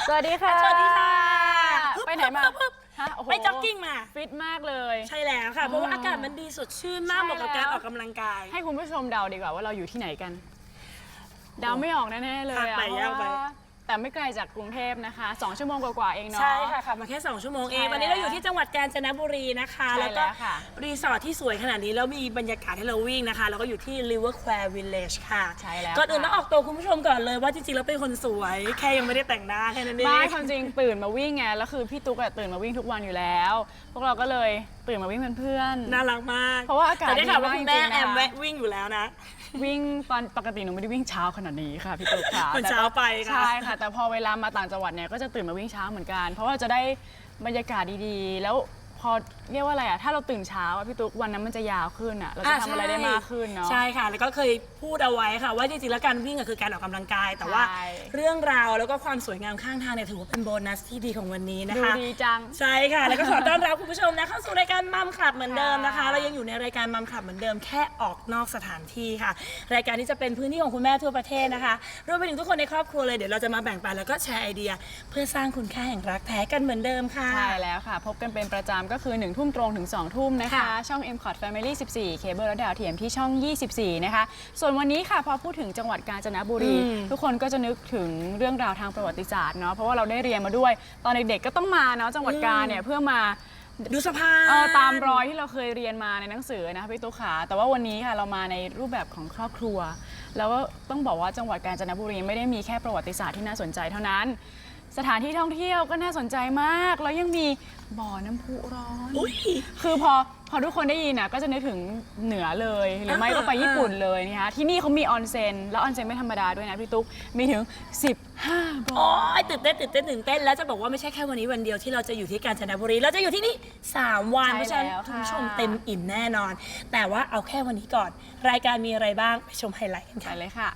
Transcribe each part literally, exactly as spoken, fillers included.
สวัสดีค่ะสวัสดีค่ะไปไหนมาไปจ็อกกิ้งมาฟิตมากเลยใช่แล้วค่ะเพราะว่าอากาศมันดีสดชื่นมากเหมาะกับการออกกำลังกายให้คุณผู้ชมเดาดีกว่าว่าเราอยู่ที่ไหนกันเดาไม่ออกแน่ๆเลยอะแต่ไม่ไกลจากกรุงเทพนะคะสองชั่วโมงกว่าๆเองเนาะใช่ค่ะขับมาแค่สองชั่วโมงเองตอนนี้เราอยู่ที่จังหวัดกาญจนบุรีนะคะแล้วก็รีสอร์ทที่สวยขนาดนี้แล้วมีบรรยากาศให้เราวิ่งนะคะแล้วก็อยู่ที่ River Square Village ค่ะใช่แล้วก่อนอื่นต้องออกตัวคุณผู้ชมก่อนเลยว่าจริงๆแล้วเป็นคนสวยแค่ยังไม่ได้แต่งหน้าแค่นั้นเองไม่ความจริงตื่นมาวิ่งไงแล้วคือพี่ตุ๊กตื่นมาวิ่งทุกวันอยู่แล้วพวกเราก็เลยตื่นมาวิ่งเป็นเพื่อนน่ารักมากเพราะว่าอากาศดีมากจริงๆนะแม่แอมแวะวิ่งอยู่แล้วนะวิ่งตอนปกติหนูไม่ได้วิ่งเช้าขนาดนี้ค่ะพี่ตุ๊กค่ะเช้าไปค่ะใช่ค่ะแต่พอเวลามาต่างจังหวัดเนี่ยก็จะตื่นมาวิ่งเช้าเหมือนกันเพราะว่าจะได้บรรยากาศดีๆแล้วพอเรียกว่าอะไรอ่ะถ้าเราตื่นเช้าพี่ตุ๊กวันนั้นมันจะยาวขึ้นอ่ะเราจะทำอะไรได้มากขึ้นเนาะใช่ค่ะแล้วก็เคยพูดเอาไว้ค่ะว่าจริงๆแล้วการวิ่งคือการออกกำลังกายแต่ว่าเรื่องราวแล้วก็ความสวยงามข้างทางเนี่ยถือว่าเป็นโบนัสที่ดีของวันนี้นะคะดูดีจังใช่ค่ะแล้วก็ขอต้อนรับคุณผู้ชมนะเข้าสู่รายการมัมคลับเหมือนเดิมนะคะเรายังอยู่ในรายการมัมคลับเหมือนเดิมแค่ออกนอกสถานที่ค่ะรายการที่จะเป็นพื้นที่ของคุณแม่ทั่วประเทศนะคะรวมไปถึงทุกคนในครอบครัวเลยเดี๋ยวเราจะมาแบ่งปันแล้วก็แชร์ไอเดียเพื่อสร้างคุณค่าแห่งรักแท้กันเหมือนเดิมค่ะใช่แล้วค่ะพบกันเป็นประจำก็คือหนึ่งทุ่มตรงถึงสองทุ่มนะคะช่อง เอ็ม คอท Family สิบสี่ เคเบิลและดาวเทียมที่ช่องยี่สิบสี่นะคะส่วนวันนี้ค่ะพอพูดถึงจังหวัดกาญจนบุรีทุกคนก็จะนึกถึงเรื่องราวทางประวัติศาสตร์เนาะเพราะว่าเราได้เรียนมาด้วยตอนเด็กๆก็ต้องมาเนาะจังหวัดกาญเนี่ยเพื่อมาดูสะพานตามรอยที่เราเคยเรียนมาในหนังสือนะคะพี่ตุ๊กขาแต่ว่าวันนี้ค่ะเรามาในรูปแบบของครอบครัวแล้วก็ต้องบอกว่าจังหวัดกาญจนบุรีไม่ได้มีแค่ประวัติศาสตร์ที่น่าสนใจเท่านั้นสถานที่ท่องเที่ยวก็น่าสนใจมากแล้วยังมีบ่อน้ำพุร้อนคือพอพอทุกคนได้ยินนะก็จะนึกถึงเหนือเลยหรือไม่ก็ไปญี่ปุ่นเลยนะคะที่นี่เขามีออนเซ็นแล้วออนเซ็นไม่ธรรมดาด้วยนะพี่ตุ๊กมีถึงสิบห้าบ่ออ๋อตื่นเต้นตื่นเต้นตื่นเต้นแล้วจะบอกว่าไม่ใช่แค่วันนี้วันเดียวที่เราจะอยู่ที่กาญจนบุรีเราจะอยู่ที่นี่สามวันเพราะฉะนั้นคุณผู้ชมเต็มอิ่มแน่นอนแต่ว่าเอาแค่วันนี้ก่อนรายการมีอะไรบ้างไปชมไฮไลท์กันค่ะเลยค่ะ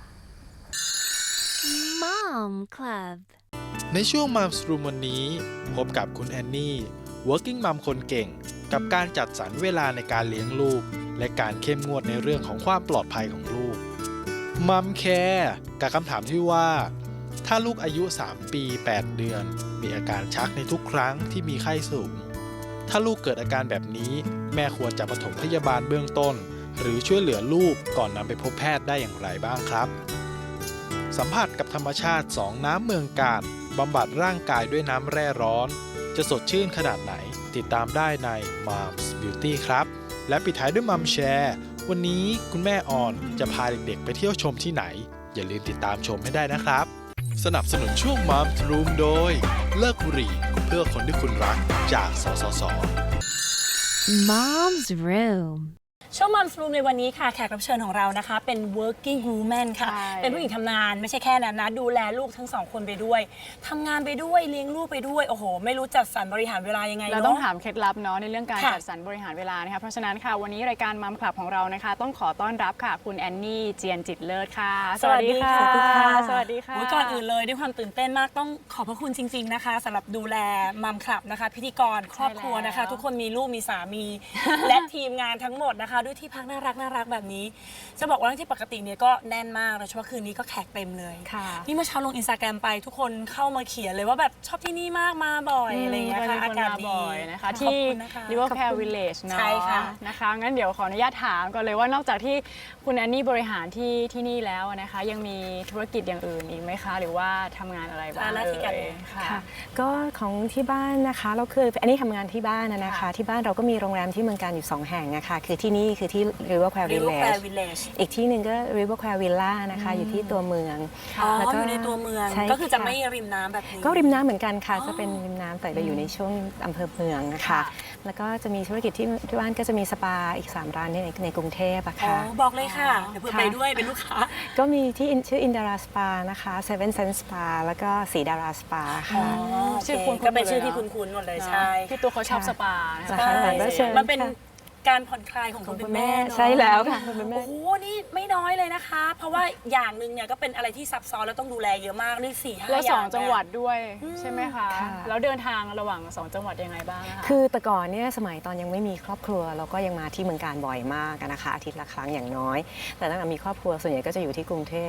Mom Club ในช่วง Mom's Room วันนี้พบกับคุณแอนนี่ working mom คนเก่งกับการจัดสรรเวลาในการเลี้ยงลูกและการเข้มงวดในเรื่องของความปลอดภัยของลูก Mom Care กับคำถามที่ว่าถ้าลูกอายุสามปีแปดเดือนมีอาการชักในทุกครั้งที่มีไข้สูงถ้าลูกเกิดอาการแบบนี้แม่ควรจะปฐมพยาบาลเบื้องต้นหรือช่วยเหลือลูกก่อนนำไปพบแพทย์ได้อย่างไรบ้างครับสัมผัสกับธรรมชาติสองน้ำเมืองกาญบำบัดร่างกายด้วยน้ำแร่ร้อนจะสดชื่นขนาดไหนติดตามได้ใน Mom's Beauty ครับและปิดท้ายด้วย Mom Share วันนี้คุณแม่ออนจะพาเด็กๆไปเที่ยวชมที่ไหนอย่าลืมติดตามชมให้ได้นะครับสนับสนุนช่วง Mom's Room โดยเลิกบุหรี่เพื่อคนที่คุณรักจากสสส Mom's Room ช่วง Mom's Room ในวันนี้ค่ะแขกรับเชิญของเรานะคะเป็น working woman ค่ะเป็นผู้หญิงทำงานไม่ใช่แค่นั้นนะดูแลลูกทั้งสองคนไปด้วยทำงานไปด้วยเลี้ยงลูกไปด้วยโอ้โหไม่รู้จัดสรรบริหารเวลายังไงเราต้องถามเคล็ดลับเนาะในเรื่องการจัดสรรบริหารเวลานะคะเพราะฉะนั้นค่ะวันนี้รายการมัมคลับของเรานะคะต้องขอต้อนรับค่ะคุณแอนนี่เจียนจิตเลิศค่ะสวัสดีค่ะสวัสดีค่ะก่อนอื่นเลยด้วยความตื่นเต้นมากต้องขอบพระคุณจริงๆนะคะสำหรับดูแลมัมคลับนะคะพิธีกรครอบครัวนะคะทุกคนมีลูกมีสามีและทีมงานทั้งหมดนะคะด้วยที่พักน่ารักน่ารักแบบนี้จะบอกว่าที่ปกติเนี่ยก็แน่นมากโดยเฉพาะคืนนี้ก็แขกเต็มเลยนี่เมื่อเช้าลงอินสตาแกรมไปทุกคนเข้ามาเขียนเลยว่าแบบชอบที่นี่มากมาบ่อยอะไรอย่างเงี้ยค่ะอากาศดีนะคะที่ River Square Village เนาะใช่ค่ะนะคะงั้นเดี๋ยวขออนุญาตถามก่อนเลยว่านอกจากที่คุณแอนนี่บริหารที่ที่นี่แล้วนะคะยังมีธุรกิจอย่างอื่นอีกไหมคะหรือว่าทำงานอะไรบ้างเลยค่ะก็ของที่บ้านนะคะเราคืออันนี้ทำงานที่บ้านนะคะที่บ้านเราก็มีโรงแรมที่เมืองการอยู่สองแห่งนะคะคือที่นี่คือที่ River Square Village อีกที่หนึ่งก็ River Square Villa นะคะอยู่ที่ตัวเมืองแล้วก็อยู่ในตัวเมืองก็คือจะไม่ริมน้ำแบบนี้ก็ริมน้ำเหมือนกันค่ะจะเป็นริมน้ำแต่เราอยู่ในช่วงอำเภอเมืองนะคะแล้วก็จะมีธุรกิจที่ที่บ้านก็จะมีสปาอีกสามร้านในในกรุงเทพอะค่ะบอกเลยค่ะเดี๋ยวเพื่อไปด้วยเป็นลูกค้าก็มีที่ชื่ออินดาราสปานะคะเซเว่นเซนสปาแล้วก็สีดาราสปาค่ะชื่อคุณก็เป็นชื่อที่คุ้นๆหมดเลยใช่พี่ตัวเขาชอบสปามันเป็นการผ่อนคลายของคุณแม่ใช่แล้วค่ะโอ้โหนี่ไม่น้อยเลยนะคะเพราะว่าอย่างหนึ่งเนี่ยก็เป็นอะไรที่ซับซ้อนแล้วต้องดูแลเยอะมากนี่สี่ห้าอย่างแล้วสองจังหวัดด้วยใช่ไหมคะแล้วเดินทางระหว่างสองจังหวัดยังไงบ้างคะคือแต่ก่อนเนี่ยสมัยตอนยังไม่มีครอบครัวเราก็ยังมาที่เมืองการบ่อยมากนะคะอาทิตย์ละครั้งอย่างน้อยแต่ตั้งแต่มีครอบครัวส่วนใหญ่ก็จะอยู่ที่กรุงเทพ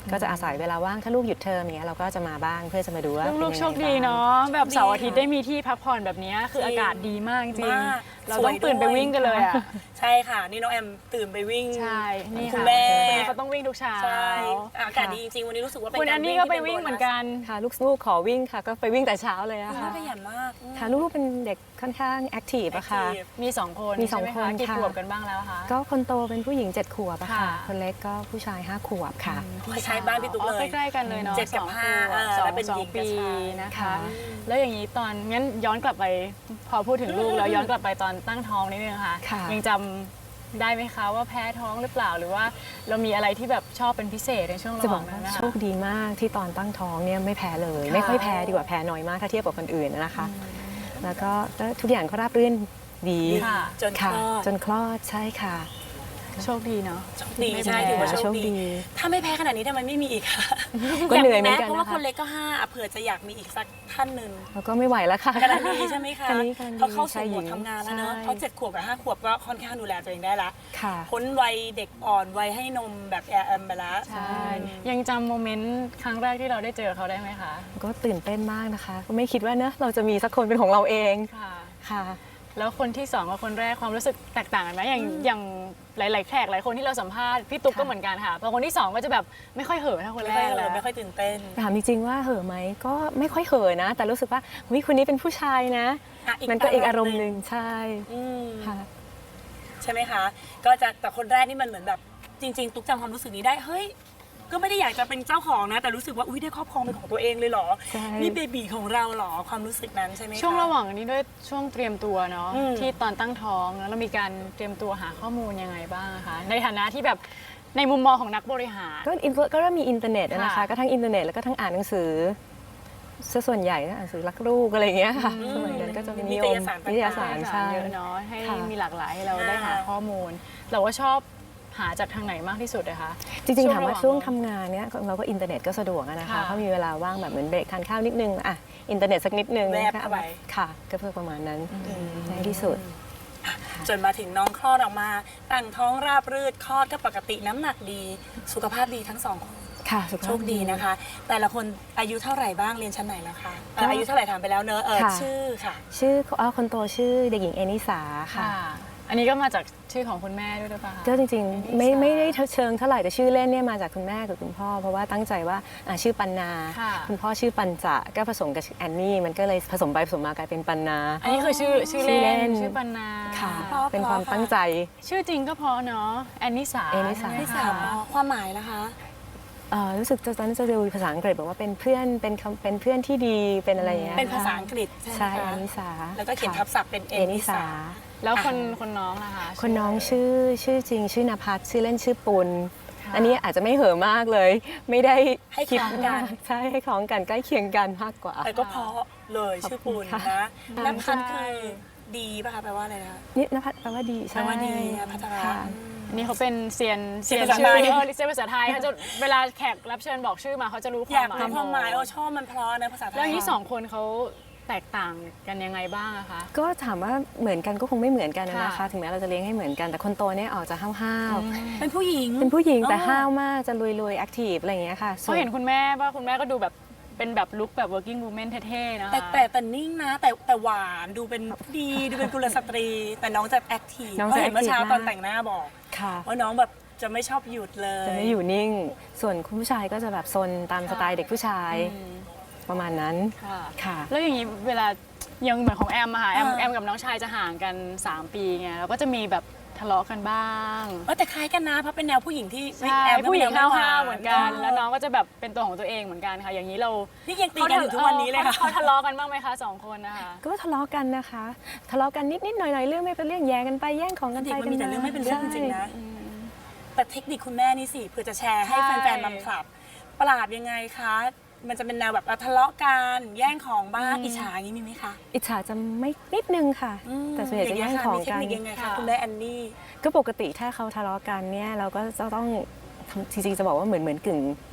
ก็จะอาศัยเวลาว่างถ้าลูกหยุดเทอมอย่างเงี้ยเราก็จะมาบ้างเพื่อจะมาดูว่าลูกๆเป็นยังไงโชคดีบ้างเนาะแบบเสาร์อาทิตย์ดีค่ะได้มีที่พักผ่อนแบบนี้คืออากาศดีมากจริงมากๆเราสต้วอย งตื่นไปด้วยวิ่งกันเลยอ่ะใช่ค่ะ นี่น้องแอมตื่นไปวิ่งใช่นี่คุณค่ะแม่คนนี้เขาต้องวิ่งทุกเช้าใช่อากาศดีจริงๆ วันนี้รู้สึกว่าเป็นคุณกาอัรนนี้วิ่งก็ที่ไปเป็นวิ่งโบนัสเหมือนกันค่ะลูกๆขอวิ่งค่ะก็ไปวิ่งแต่เช้าเลยอะคุณค่ะแม่ขยันมากอืมค่ะลูกๆเป็นเด็กค่อนข้างแอคทีฟอะค่ะ active มีสองคนมีสองใช่ไหคนกี่ค่ะขวบกันบ้างแล้วคะก็คนโตเป็นผู้หญิงเจ็ดขวบอะค่ะค่ะคนเล็กก็ผู้ชายห้าขวบค่ะคล้ายๆบ้านพี่ตุ๊กเลยอ๋อใกล้ๆกันเลยเนาะเจ็ดกับสองห้าขวบเออสองแล้วเป็นสอหญิงงกับปีชายนะคะค่ะแล้วอย่างนี้ตอนงั้นย้อนกลับไปพอพูดถึงลูกแล้วย้อนกลับไปตอนตั้งท้องนิดนึงค่ะค่ะยังจำได้ไหมคะว่าแพ้ท้องหรือเปล่าหรือว่าเรามีอะไรที่แบบชอบเป็นพิเศษในช่วงระจะหบว่าอง กนั้ว่านนะคะโชคดีมากที่ตอนตั้งท้องเนี่ยไม่แพ้เลยค่ะไม่ค่อยแพ้ดีกว่าแพ้น้อยมากถ้าเทียบกับคนอื่นนะคะ แล้วก็ก็ทุกอย่างก็ราบรื่นดีค่ะจนคค่ะลอดจนคลอดใช่ค่ะโชคดีเนาะโชคดีไม่ใช่แพ้ถือว่าโชโชคคดีดีถ้าไม่แพ้ขนาดนี้ทำไมไม่มีอีกคะก็เหนื่อยเหมือนกันเพราะว่านะคะคนเล็กก็ห้าอ่ะเผื่อจะอยากมีอีกสักท่านหนึ่งแล้วก็ไม่ไหวแล้วค่ะกำลังดีใช่ไหมคะกำลังดีกำลังดีเขาเข้าสู่ชายโหหมญิดงทำงานแล้วเนอะใช่เพราะเจ็ดขวบกับห้าขวบก็ค่อนข้างดูแลตัวเองได้ละค่ะพ้นวัยเด็กอ่อนวัยให้นมแบบแอร์แอมไปแล้วใช่ ยังจำโมเมนต์ครั้งแรกที่เราได้เจอเขาได้ไหมคะก็ตื่นเต้นมากนะคะ ก็ไม่คิดว่าเนอะเราจะมีสักคนเป็นของเราเองค่ะค่ะแล้วคนที่สองกับคนแรกความรู้สึกแตกต่างกันไหมอย่างอย่างหลาย ๆ แขกหลายคนที่เราสัมภาษณ์พี่ตุ๊กค่ะก็เหมือนกันค่ะพอคนที่สองก็จะแบบไม่ค่อยเห่อะเท่าคนไม่แรค่อยกเลแล้ยว ไม่ค่อยตื่นเต้นถามจริงๆว่าเห่อะไหมก็ไม่ค่อยเห่อะนะ แต่รู้สึกว่าวิคนนี้เป็นผู้ชายนะอ่ะอีกมันก็อีกอาอาร รมมณ์ณ์หหนึ่นึ่งงใช่อืมค่ะใช่ไหมคะ ก็จะแต่คนแรกนี่มันเหมือนแบบจริง ๆ ตุ๊กจำความรู้สึกนี้ได้เฮ้ยก็ไม่ได้อยากจะเป็นเจ้าของนะ แต่รู้สึกว่าอุ้ยได้ครอบครองเป็นของตัวเองเลยเหรอใช่นี่เบบีของเราเหรอความรู้สึกนั้นใช่ไหมคะช่วงระหว่างนี้ด้วยช่วงเตรียมตัวเนาะอืมที่ตอนตั้งท้องแล้วเรามีการเตรียมตัวหาข้อมูลยังไงบ้างคะในฐานะที่แบบในมุมมองของนักบริหารก็อินก็เริ่มมีอินเทอร์เน็ตอะนะคะค่ะก็ทั้งอินเทอร์เน็ตแล้วก็ทั้งอ่านหนังสือซะส่วนใหญ่ก็อ่านหนังสือรักลูกอะไรอย่างเงี้ยค่ะสมัยนั้นก็จะเป็นนิยมนิตยสารต่างๆนิตยสารใช่เยอะเนาะให้ค่ะมีหลากหลายให้เราได้หาค่ะข้อมูล เราว่าชอบหาจากทางไหนมากที่สุดนะคะจริงๆถามว่าระหช่วงทำงานเนี้ยเราก็อินเทอร์เน็ตก็สะดวกอะนะคะค่ะเขามีเวลาว่างแบบเหมือนเบรกทานข้าวนิดนึงอ่ะอินเทอร์เน็ตสักนิดนึงแวบก็เข้าไปค่ะ ก็เพื่อประมาณนั้นในที่สุดจนมาถึงน้องคลอดออกมาตั้งท้องราบรืดคลอดก็ปกติน้ำหนักดี สุขภาพดีทั้งสองคนค่ะสุขภาพโชคดีนะคะ แต่ละคนอายุเท่าไหร่บ้างเรียนชั้นไหนแล้วคะเอ่อก็อายุเท่าไหร่ถามไปแล้วเนอะเออค่ะชื่อค่ะชื่ออ๋อคนโตชื่อเด็กหญิงเอนิสาค่ะค่ะ อันนี้ก็มาจากชื่อของคุณแม่ด้วยหรือเปล่าคะก็จริงๆ ไม่ไม่ได้เชิงเท่าไหร่แต่ชื่อเล่นเนี่ยมาจากคุณแม่กับคุณพ่อ เพราะว่าตั้งใจว่าอ่ะชื่อปันนาค่ะคุณพ่อชื่อปันจะก็ผสมกับแอนนี่มันก็เลยผสมไปผสมมากลายเป็นปันนาอันนี้คือชื่อชื่อชื่อเล่เล่นนชื่อปันนาค่ะเพราะเป็นความเพราะตั้งใจชื่อจริงก็เพราะเนาะแอนนิสาแอนนิสาใช่ไหมที่คะสามอ๋อความหมายนะคะเอ่อรู้สึกตอนนั้นจะดูภาษาอังกฤษบอกว่าเป็นเพื่อนเป็นคำเป็นเพื่อนที่ดีเป็นอะไรอย่างเงี้ยเป็นภาษาอังกฤษใช่ไหมใช่คะแอนนิสาแล้วก็เขียนทับศัพท์เป็นเอเอนินิสาสาแล้วคนคนน้องล่ะคะคนน้องชื่อชื่อจริง ชื่อนภัสชื่อเล่นชื่อปุณค่ะอันนี้อาจจะไม่เห่อะมากเลย ไม่ได้ให้คคิดล้องกันมากใช่ให้คล้องกันใกล้เคียงกันมากกว่าแต่ก็เพราะเลยชื่อปูนค่ะนะค่ะน้ำพันธ์คือดีป่ะคะแปลว่าอะไรนะคะนี่นภัสแปลว่าดีแปลใช่ว่าดีนะพัฒนาค่ะอันนี้เขาเป็นเซียนเซียนชื่ภาษาไทยเออเซียนภาษาไทยเขาจะเวลาแขกรับเชิญบอกชื่อมาเขาจะรู้คาย มอาวกหมายรู้ความหมายโอ้ชอบมันเพราะนะภาษาไทยแล้วอย่างนี้สองคนเขาแตกต่างกันยังไงบ้างอะคะก็ถามว่าเหมือนกันก็คงไม่เหมือนกันนะค่ะนะคะ ถึงแม้เราจะเลี้ยงให้เหมือนกันแต่คนโตเนี่ยออกจะห้าวเป็นผู้หญิงๆเป็นผู้หญิงแต่อ๋อห้าวมากจะลุยๆแอคทีฟอะไรอย่างเงี้ยค่ะเขาเห็นคุณแม่ว่าคุณแม่ก็ดูแบบเป็นแบบลุคแบบ working woman เท่ๆนะคะแต่แต่แต่นิ่งนะ แต่แต่หวานดูเป็นดีดูเป็นกุลสตรี แต่น้องจะแอคทีฟน้องเพราะจะเห็นเมื่อเช้า active ตอนมากแต่งหน้าบอกค่ะว่าน้องแบบจะไม่ชอบหยุดเลยจะไม่อยู่นิ่ง ส่วนคุณผู้ชายก็จะแบบซนตามสไตล์เด็กผู้ชายอืมประมาณนั้นค่ะค่ะแล้วอย่างนี้เวลายังเหมือนของแอมอะค่ะแอมอ่าแอมกับน้องชายจะห่างกัน สาม ปีไงแล้วก็จะมีแบบทะเลาะกันบ้างเออแต่คล้ายกันนะเพราะเป็นแนวผู้หญิงที่ใช่แอมก็ผู้เป็นหญิงแนวห้าวๆเหมือนกัน แล้วน้อองก็จะแบบเป็นตัวของตัวเองเหมือนกันค่ะ อย่างนี้เรานี่ยังตีกันอยู่ทุกวันนี้เลยค่ะเขาทะเลาะกันบ้างไหมคะสองคนนะคะก็ทะเลาะกันนะคะ ทะเลาะกันนิดๆหน่อยๆเรื่องไม่เป็นเรื่องแย่งกันไปแย่งของกันเด็ไปกมันมีแต่เรื่องไม่เป็นเรื่องจริงๆนะใช่แต่เทคนิคคุณแม่นี่สิเพื่อจะแชร์ให้ใช่แฟนๆมัมคลับ ปราบยังไงคะ มันจะเป็นแนวแบบอ่ะทะเลาะกันแย่งของบ้างอิจฉาอย่างนี้มีไหมคะอิจฉาจะไม่นิดนึงค่ะ แต่ส่วนใหญ่จะแย่งของมีเทคกันนิคยังไงคะค่ะคุณแม่แอนนี่ก็ปกติถ้าเขาทะเลาะกันเนี่ยเราก็จะต้องทำจริงๆจะบอกว่าเหมือนเหมือนกึ่ง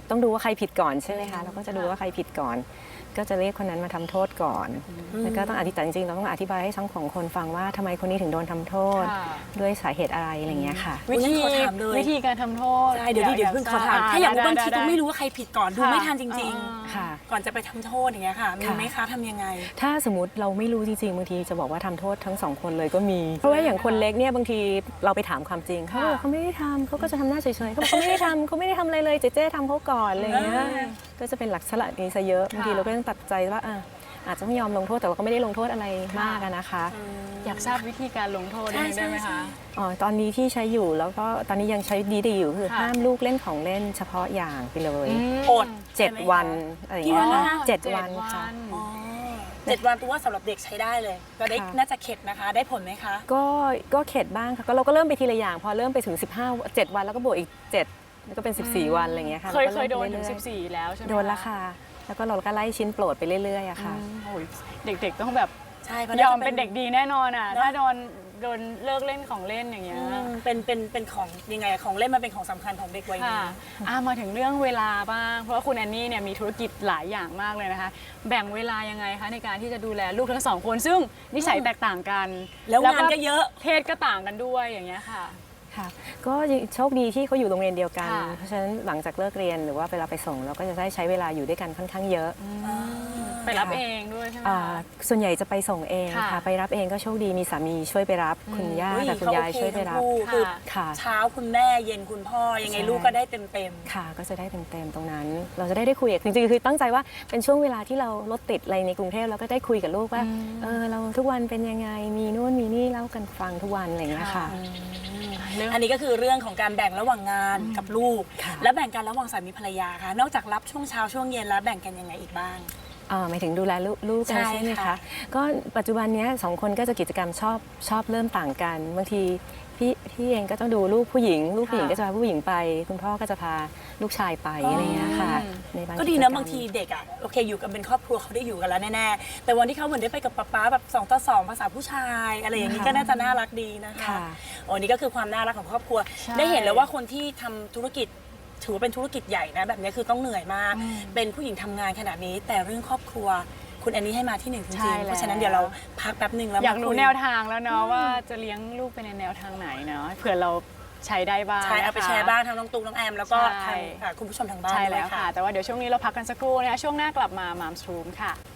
ต้องดูว่าใครผิดก่อนใช่ไหมคะเราก็จะดูว่าใครผิดก่อน ก็จะเรียกคนนั้นมาทำโทษก่อนแล้วก็ต้องอธิบายจริงๆเราต้องอธิบายให้ทั้งสองคนฟังว่าทำไมคนนี้ถึงโดนทำโทษค่ะด้วยสาเหตุอะไรอะไรอย่างเงี้ยค่ะวิธีขอถามเลยวิธีการทำโทษใช่เดี๋ยวดิเดี๋ยวเพิ่งขอถามทรบถ้าอยากรู้ได้บางทีได้ก็ไม่รู้ว่าใครผิดก่อนดูค่ะไม่ทันจริงอ่าค่ะๆ ก่อนจะไปทำโทษอย่างเงี้ยค่ะมีค่ะไหมคะทำยังไงถ้าสมมติเราไม่รู้จริงๆบางทีจะบอกว่าทำโทษทั้งสองคนเลยก็มี เพราะว่าอย่างคนเล็กเนี่ยบางทีเราไปถามความจริงเขาบอกเขาไม่ได้ทำเขาก็จะทำหน้าเฉยๆเขาบอกเขาไม่ได้ทำเขาไม่ได้ทำอะไรเลยเจ๊เจ๊ทำเขาก่อนอะไรอย่างเงี้ยอ่าก็จะเป็นหลักษณะนี้ซะเยอะบางทีเราก็ต้องตัดใจว่าอ่ะอาจจะไม่ยอมลงโทษแต่เราก็ไม่ได้ลงโทษอะไรมากอะนะคะอยากทราบวิธีการลงโทษได้ได้ไหมคะอ๋อตอนนี้ที่ใช้อยู่แล้วก็ตอนนี้ยังใช้ดีๆอยู่คือค่ะห้ามลูกเล่นของเล่นเฉพาะอย่างไปเลยอดเจ็ดใช่ไหมคะวันอะไรอย่างกี่เงี้วัยนค่ะนะคะเจ็ดเจ็ดวันค่ะอ๋อเจ็ดวันตัวว่าสำหรับเด็กใช้ได้เลย ก็ได้ค่ะน่าจะเข็ดนะคะ ได้ผลไหมคะก็ก็เข็ดบ้างค่ะก็เราก็เริ่มไปทีละอย่าง พอเริ่มไปถึงสิบห้า เจ็ดวันแล้วก็บวกอีกเจ็ดแล้วก็เป็นสิบสี่วันอะไรอย่างเงี้ยค่ะเคยราก็เคยโดนถึงริ่มไปสิบเรื่อยสี่แล้วใช่ไหมๆโดนแล้วค่ะ แล้วก็เราก็ไล่ชิ้นโปรดไปเรื่อยๆอะค่ะอืมโอ้ยเด็กๆต้องแบบใช่เพราะยน่าอจะมเป็นเด็กดีแน่นอนอ่ะเนอะถ้าโดนโดนเลิกเล่นของเล่นอย่างเงี้ยอืมเป็นเป็นเป็นของยังไงของเล่นมันเป็นของสำคัญของเด็กวัยนี้ค่ะอ่ะมาถึงเรื่องเวลาบ้าง เพราะว่าคุณแอนนี่เนี่ยมีธุรกิจหลายอย่างมากเลยนะคะ แบ่งเวลายังไงคะในการที่จะดูแลลูกทั้งสองคน ซึ่งนิสัยแตกต่างกันแล้วงานก็เยอะเพศก็ต่างกันด้วยอย่างเงี้ยค่ะค่ะก็โชคดีที่เขาอยู่โรงเรียนเดียวกันค่ะเพราะฉะนั้นหลังจากเลิกเรียนหรือว่าเวลาไปส่งเราก็จะได้ใช้เวลาอยู่ด้วยกันค่อนข้างเยอะไปรับเองด้วยใช่ไหมอ่าคะส่วนใหญ่จะไปส่งเองค่ะค่ะ ไปรับเองก็โชคดีมีสามีช่วยไปรับ คุณย่าอุ๊กับคุณยายเขโอเคช่วยไปรับทั้งคู่คือค่ะเช้าคุณแม่เย็นคุณพ่อยังไงใช่ลูกก็ได้เต็มเต็มค่ะก็จะได้เต็มๆตรงนั้น เราจะได้ได้คุยกับจริงๆคือตั้งใจว่าเป็นช่วงเวลาที่เรารถติดอะไรในกรุงเทพเราก็ได้คุยกับลูกว่าเออเราทุกวันเป็นยังไงมีนู่นมีนี่เล่ากันฟังทุกวันอะไรอย่างเงี้ยค่ะเรื่องอันนี้ก็คือเรื่องของการแบ่งระหว่างงานกับลูกค่ะและแบ่งกันระหว่างสามีภรรยาค่ะ นอกจากรับช่วงเช้าช่วงเย็นแล้วแบ่งกันยังไงอีกบ้างอ่าหมายถึงดูแลลูกลูกกันใช่ใช่ไหมค่ะคะก็ปัจจุบันเนี้ยสองคนก็จะกิจกรรมชอบชอบเริ่มต่างกันบางทีพี่พี่เองก็ต้องดูลูกผู้หญิง ลูกผู้หญิงก็จะพาผู้หญิงไป คุณพ่อก็จะพาลูกชายไปอะไรอย่างเงี้ยค่ะในบางก็ดีจนะรรมบางทีเด็กอ่ะโอเคอยู่กันเป็นครอบครัวเขาได้อยู่กันแล้วแน่ๆแต่วันที่เขาเหมือนได้ไปกับป๊าป๊าแบบสองต่อสองภาษาผู้ชายอะไรอย่างนี้ก็น่าจะน่ารักดีนะคะค่ะโอ้นี่ก็คือความน่ารักของครอบครัวใช่ได้เห็นแล้วว่าคนที่ทำธุรกิจถือว่าเป็นธุรกิจใหญ่นะแบบนี้คือต้องเหนื่อยมาก เป็นผู้หญิงทำงานขนาดนี้ แต่เรื่องครอบครัวคุณแอนนี่ให้มาที่หนึ่งจใช่ริงๆแล้วเพราะฉะนั้นเดี๋ยวเราพักแป๊บหนึ่งแล้วอยากรู้มคุแนวทางแล้วเนาะว่าจะเลี้ยงลูกไปในแนวทางไหนเนาะเผื่อเราใช้ได้บ้างใช่เอาไปนะคะแชร์บ้างทั้งน้องตุ๊กน้องแอมแล้วก็ใช่ทางอ่าคุณผู้ชมทางบ้านใช่ด้วแล้ยวค่ะค่ะแต่ว่าเดี๋ยวช่วงนี้เราพักกันสักครู่นะคะช่วงหน้ากลับมามามส รูมค่ะ